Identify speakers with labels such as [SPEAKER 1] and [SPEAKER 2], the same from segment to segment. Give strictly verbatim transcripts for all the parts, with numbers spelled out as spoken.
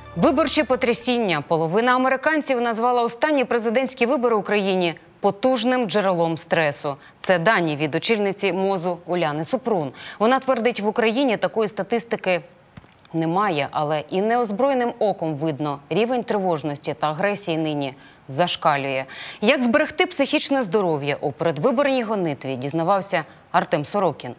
[SPEAKER 1] Виборче потрясіння. Половина американців назвала останні президентські вибори в Україні потужним джерелом стресу. Це дані від очільниці МОЗу Уляни Супрун. Вона твердить, в Україні такої статистики немає, але і неозброєним оком видно, рівень тривожності та агресії нині зашкалює. Як зберегти психічне здоров'я у передвиборній гонитві, дізнавався Артем Сорокін.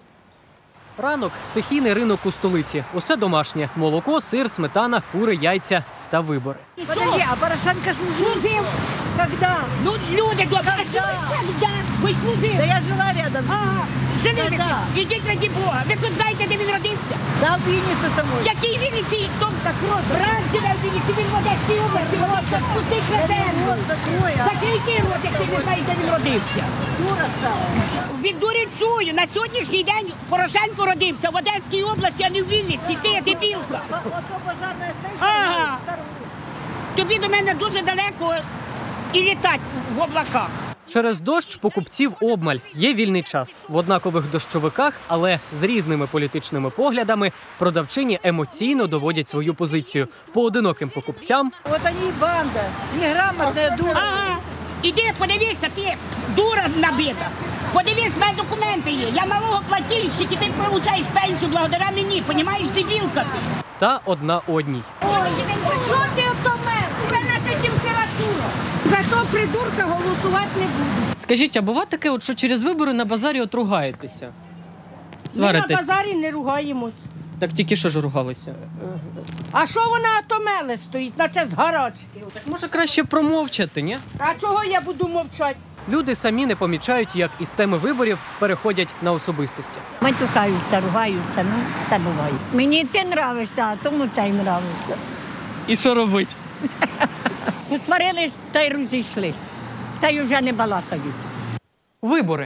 [SPEAKER 2] Ранок – стихійний ринок у столиці. Усе домашнє – молоко, сир, сметана, кури, яйця та вибори.
[SPEAKER 3] Подожди, а Порошенко служил? Когда?
[SPEAKER 4] Ну, люди добрі,
[SPEAKER 3] Когда?
[SPEAKER 4] когда? Ви служили?
[SPEAKER 3] Да я жила рядом.
[SPEAKER 4] Ага, жили ви.
[SPEAKER 3] Когда?
[SPEAKER 4] Ідіть раді Бога. Ви хоч знаєте, де він родився?
[SPEAKER 3] Да, в Виннице самой.
[SPEAKER 4] Який Вінниці? Том так рот. Раніше на Вінниці, він в Одеській області. Водиться, пустить на землю. Закрийте рот, як ти не знаєш, де він родився.
[SPEAKER 3] Дура стала.
[SPEAKER 4] Від дурі чую. На сьогоднішній день Порошенко родився в Одеській області, а не в Вінниці. Ти, дебілка.
[SPEAKER 3] Ото пожарная
[SPEAKER 4] Ага.
[SPEAKER 3] станция.
[SPEAKER 4] Тобі до мене дуже далеко і літати в облаках.
[SPEAKER 2] Через дощ покупців обмаль. Є вільний час. В однакових дощовиках, але з різними політичними поглядами, продавчині емоційно доводять свою позицію. Поодиноким покупцям
[SPEAKER 3] Вот они и банда. Неграмотная дура.
[SPEAKER 4] Ага. Іди, подивися, ти дура набита. Подивись, в мене документи є. Я налогоплательщик, і ти получаєш пенсію благодаря мені. Понімаєш, дебілка ти.
[SPEAKER 2] та одна одній.
[SPEAKER 4] Ой, що ти ото мер? У мене це температура. За того придурка голосувати не буду.
[SPEAKER 2] Скажіть, а буває таке, от, що через вибори на базарі от ругаєтеся?
[SPEAKER 5] Ми на базарі не ругаємось.
[SPEAKER 2] Так тільки що ж ругалися?
[SPEAKER 5] А що вона атомеле стоїть, наче з гарачки?
[SPEAKER 2] Так може краще промовчати, ні?
[SPEAKER 5] А чого я буду мовчати?
[SPEAKER 2] Люди самі не помічають, як із теми виборів переходять на особистості.
[SPEAKER 6] Матюкаються, ругаються, ну, все буває. Мені ти нравишся, а тому це й нравиться.
[SPEAKER 2] І що робить?
[SPEAKER 6] Посварились та й розійшлись. Та й вже не балакають.
[SPEAKER 2] Вибори.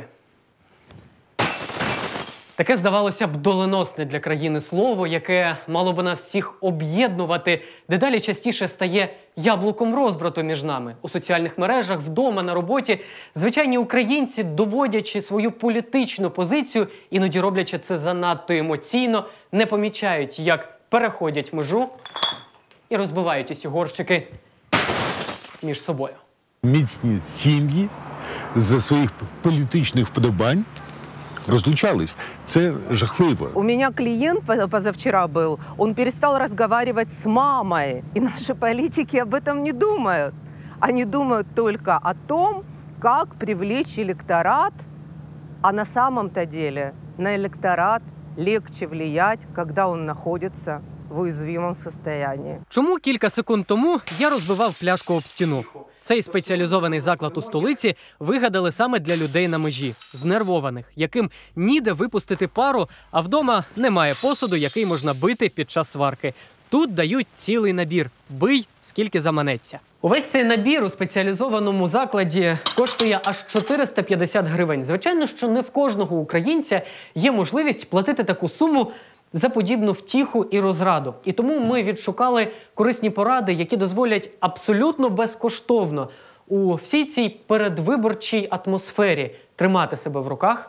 [SPEAKER 2] Таке, здавалося б, доленосне для країни слово, яке мало би нас всіх об'єднувати, дедалі частіше стає яблуком розбрату між нами. У соціальних мережах, вдома, на роботі звичайні українці, доводячи свою політичну позицію, іноді роблячи це занадто емоційно, не помічають, як переходять межу і розбивають усі горщики між собою.
[SPEAKER 7] Міцні сім'ї за своїх політичних вподобань разлучались. Це жахливо.
[SPEAKER 8] У меня клиент позавчера был, он перестал разговаривать с мамой. И наши политики об этом не думают. Они думают только о том, как привлечь электорат, а на самом-то деле на электорат легче влиять, когда он находится в уязвимом состоянии.
[SPEAKER 2] Чому кілька секунд тому я розбивав пляшку об стіну? Цей спеціалізований заклад у столиці вигадали саме для людей на межі, знервованих, яким ніде випустити пару, а вдома немає посуду, який можна бити під час сварки. Тут дають цілий набір – бий, скільки заманеться. Увесь цей набір у спеціалізованому закладі коштує аж чотириста п'ятдесят гривень. Звичайно, що не в кожного українця є можливість платити таку суму за подібну втіху і розраду. І тому ми відшукали корисні поради, які дозволять абсолютно безкоштовно у всій цій передвиборчій атмосфері тримати себе в руках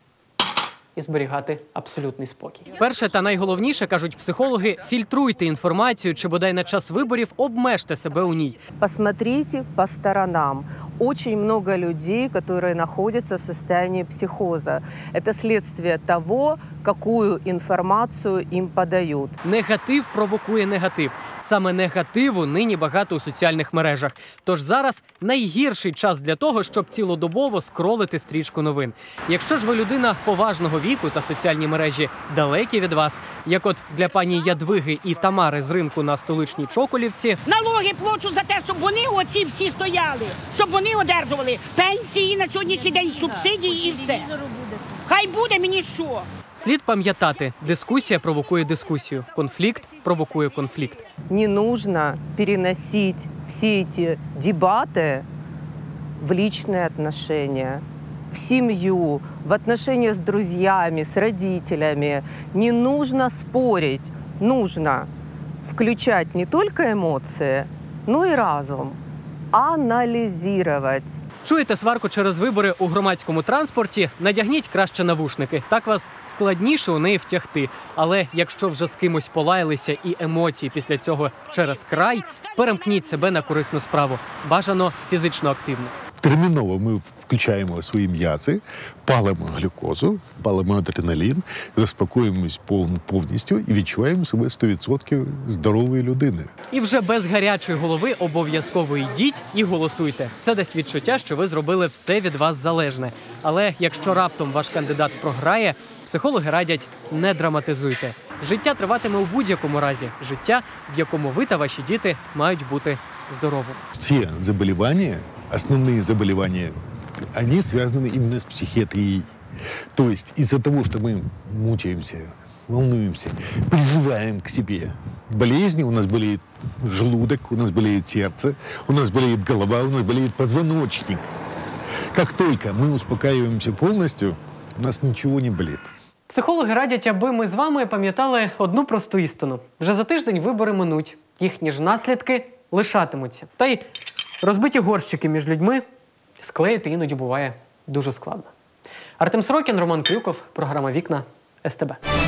[SPEAKER 2] і зберігати абсолютний спокій. Перше та найголовніше, кажуть психологи, фільтруйте інформацію, чи бодай на час виборів обмежте себе у ній.
[SPEAKER 8] Посмотрите по сторонам. Очень много людей, которые находятся в состоянии психоза. Это следствие того, какую информацию им подают.
[SPEAKER 2] Негатив провокує негатив. Саме негативу нині багато у соціальних мережах. Тож зараз найгірший час для того, щоб цілодобово скролити стрічку новин. Якщо ж ви людина поважного віку та соціальні мережі далекі від вас, як от для пані Ядвиги і Тамари з ринку на столичній Чоколівці,
[SPEAKER 4] Налоги плачу за те, щоб вони оці всі стояли, щоб вони одержували пенсії на сьогоднішній день, субсидії і все. Хай буде мені що.
[SPEAKER 2] слід пам'ятати, дискусія провокує дискусію, конфлікт провокує конфлікт.
[SPEAKER 8] Не нужно переносить все эти дебаты в личные отношения, в семью, в отношения с друзьями, с родителями. Не нужно спорить, нужно включать не только эмоции, но и разум, анализировать.
[SPEAKER 2] Чуєте сварку через вибори у громадському транспорті? Надягніть краще навушники. Так вас складніше у неї втягти. Але якщо вже з кимось полаялися і емоції після цього через край, перемкніть себе на корисну справу. Бажано фізично активно.
[SPEAKER 7] Терміново ми включаємо свої м'язи, палимо глюкозу, палимо адреналін, заспокоїмось пов- повністю і відчуваємо себе сто відсотків здорової людини.
[SPEAKER 2] І вже без гарячої голови обов'язково йдіть і голосуйте. Це дасть відчуття, що ви зробили все від вас залежне. Але якщо раптом ваш кандидат програє, психологи радять – не драматизуйте. Життя триватиме у будь-якому разі. Життя, в якому ви та ваші діти мають бути здоровими.
[SPEAKER 7] Все заболевания, основные заболевания, они связаны именно с психиатрией. То есть из-за того, что мы мучаемся, волнуемся, призываем к себе болезни, у нас болеет желудок, у нас болеет сердце, у нас болеет голова, у нас болеет позвоночник. Как только мы успокаиваемся полностью, у нас ничего не болит.
[SPEAKER 2] Психологи радять, аби ми з вами пам'ятали одну просту істину. Вже за тиждень вибори минуть. Їхні ж наслідки лишатимуться. Та й розбиті горщики між людьми склеїти іноді буває дуже складно. Артем Сорокін, Роман Крюков, програма «Вікна», ес те бе.